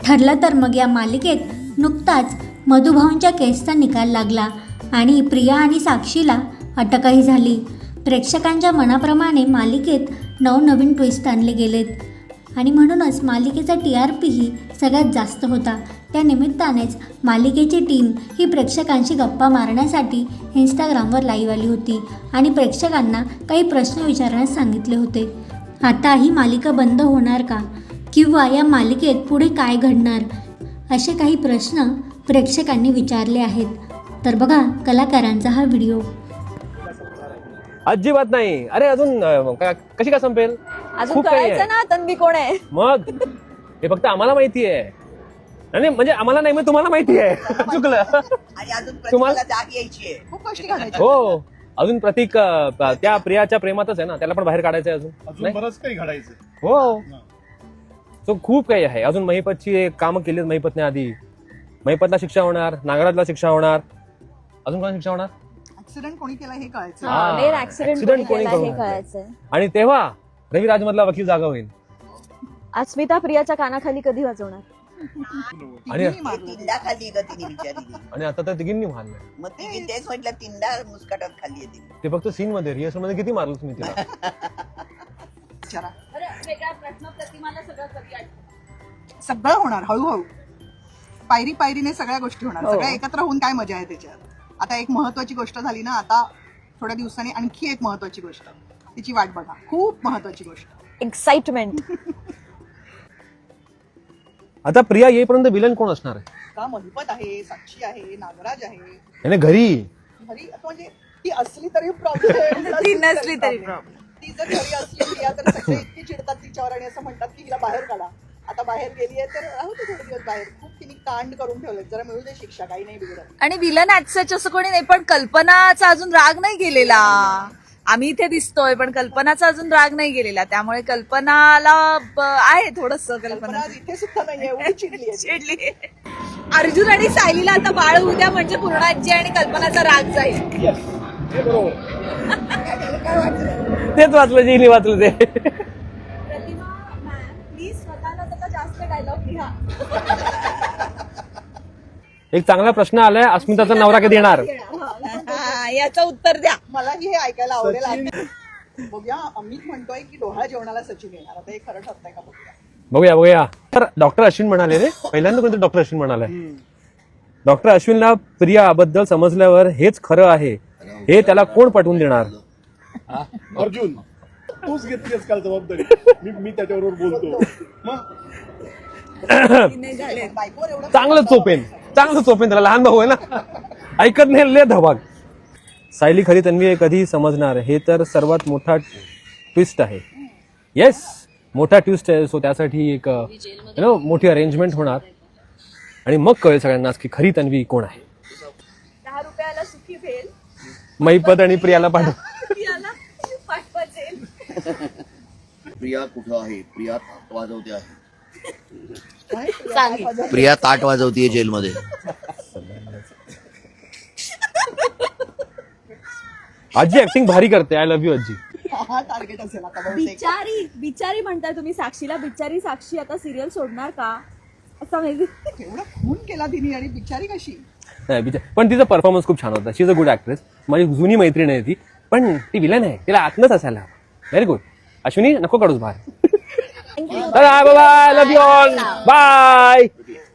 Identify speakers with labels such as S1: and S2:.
S1: ठरलं तर मग या मालिकेत नुकताच मधुभाऊंच्या केसचा निकाल लागला आणि प्रिया आणि साक्षीला अटकही झाली. प्रेक्षकांच्या मनाप्रमाणे मालिकेत नवनवीन ट्विस्ट आणले गेलेत आणि म्हणूनच मालिकेचा TRP ही सगळ्यात जास्त होता. त्या निमित्तानेच मालिकेची टीम ही प्रेक्षकांशी गप्पा मारण्यासाठी इंस्टाग्रामवर लाईव्ह आली होती आणि प्रेक्षकांना काही प्रश्न विचारण्यास सांगितले होते. आता ही मालिका बंद होणार का किंवा या मालिकेत पुढे काय घडणार, असे काही प्रश्न प्रेक्षकांनी विचारले आहेत. तर बघा कलाकारांचा हा व्हिडिओ.
S2: अजिबात नाही. अरे अजून कशी का संपेल?
S3: अजून कळायचं ना तन्वी कोण आहे.
S2: मग हे फक्त आम्हाला माहिती आहे. नाही म्हणजे आम्हाला नाही, मग तुम्हाला माहिती आहे. चुकलं. तुम्हाला
S4: जाग यायची आहे. खूप गोष्टी घालायच्या.
S2: हो, अजून प्रतीक त्या प्रियाच्या प्रेमातच आहे ना, त्याला पण बाहेर काढायचं आहे अजून
S5: बरंच काही घडायचं.
S2: हो, तो खूप काही आहे. अजून महिपतची कामं केलीत महिपतने आधी. महिपतला शिक्षा होणार, नागराजला शिक्षा होणार, अजून कोणाला शिक्षा होणार?
S4: ऍक्सिडेंट कोणी केला हे कळायचं.
S3: मेन ऍक्सिडेंट कोणी केला हे कळायचंय.
S2: आणि तेव्हा रवी राजमधला वकील जागा होईल.
S3: अस्मिता प्रियाच्या कानाखाली कधी वाजवणार?
S2: आणि
S4: तीनदा खाल्ली का तिने विचारली.
S2: आणि आता तर तिघींनी मारलं.
S4: मग तिने तेच म्हटलं तीनदा मुस्काटात खाल्ली आहे तिने.
S2: ते फक्त सीन मध्ये, रिहर्सल मध्ये किती मारलं तुम्ही तिला?
S4: विचारा.
S3: वेगळा प्रश्न प्रतिमाला
S4: सगळं होणार हळूहळू, पायरी पायरीने सगळ्या गोष्टी होणार. सगळ्या एकत्र होऊन काय मजा आहे त्याच्यात. आता एक महत्वाची गोष्ट झाली ना, आता थोड्या दिवसांनी आणखी एक महत्वाची गोष्ट, तिची वाट बघा. खूप महत्वाची गोष्ट,
S3: एक्साइटमेंट.
S2: आता प्रिया येईपर्यंत विलन कोण असणार आहे?
S4: का महिपत आहे, साक्षी आहे, नागराज आहे.
S2: याने घरी
S4: म्हणजे ती असली तरी प्रॉब्लेम,
S3: ती नसली तरी problem.
S4: ती जर घरी असली प्रिया तर सगळे इतकी चिडतात तिच्यावर आणि असं म्हणतात की हिला बाहेर काढा. आता बाहेर गेली आहे तर राहू दे थोडे दिवस बाहेर. खूप तिने कांड करून ठेवले, जरा मिळू दे शिक्षा, काही नाही बिघडत.
S6: आणि विलन ऍटसच असं कोणी नाही, पण कल्पनाचा अजून राग नाही गेलेला. आम्ही इथे दिसतोय पण कल्पनाचा अजून राग नाही गेलेला, त्यामुळे कल्पनाला आहे थोडस. कल्पना
S4: आज इथे सुद्धा नाहीये, एवढी चिडली आहे.
S6: चिडली. अर्जुन आणि सायलीला आता बाळ उद्या म्हणजे पूर्ण आजी आणि कल्पनाचा राग जाईल.
S2: तेच वाचलं, जिने वाचलं ते.
S3: प्रतिमा मॅम प्लीज स्वतःला त्याचा जास्त डायलॉग लिहा.
S2: एक चांगला प्रश्न आलाय, अस्मिताचा नवरा कधी येणार?
S6: याचं उत्तर द्या.
S4: मलाही हे ऐकायला आवडेल. बघूया, अमित म्हणतोय की डोहाळ्या जेवणाला सचिन येणार. आता हे खरं ठरतंय का बघूया.
S2: बघूया. तर डॉक्टर अश्विन म्हणाले रे, पहिल्यांदा कोणतं डॉक्टर अश्विन म्हणाले. डॉक्टर अश्विनला प्रियाबद्दल समजल्यावर हेच खरं आहे हे त्याला कोण पटवून देणार?
S5: अर्जुन, तूच घेतलीस काल जबाबदारी. मी त्याच्याबरोबर बोलतो. मग
S4: बायकोवर एवढं
S2: चांगलं चोपेन त्याला, लहान भाऊ आहे ना, ऐकत नाही, ले धबाग. सायली खरी तन्वी आहे कधी समजणार, हे तर सर्वात मोठा ट्विस्ट आहे. येस, मोठा ट्विस्ट आहे. सो त्यासाठी एक मोठी अरेंजमेंट होणार आणि मग कळेल सगळ्यांनाच की खरी तन्वी कोण आहे.
S3: 10 रुपयाला सुखी भेल
S2: महिपत आणि प्रियाला पाठव.
S3: प्रियाला पाठवायचे.
S7: प्रिया कुठं आहे? प्रिया ताट वाजवते आहे.
S4: सांग.
S7: प्रिया ताट वाजवतीये जेलमध्ये.
S2: आजी ऍक्टिंग भारी करते. आय लव्ह यू आजी.
S4: हा टार्गेट असेल आता बहुतेक.
S3: बिचारी म्हणताय तुम्ही साक्षीला. बिचारी साक्षी आता सिरियल सोडणार का असं माहिती.
S4: एवढा खून केला तिने आणि बिचारी कशी.
S2: नाही पण तिचा परफॉर्मन्स खूप छान होता. She is a good actress. माझी जुनी मैत्रीण आहे ती, पण ती विलन आहे, तिला आतनच असायला. Very good. अश्विनी नको काढूस बाहेर. Bye bye, love you all, bye.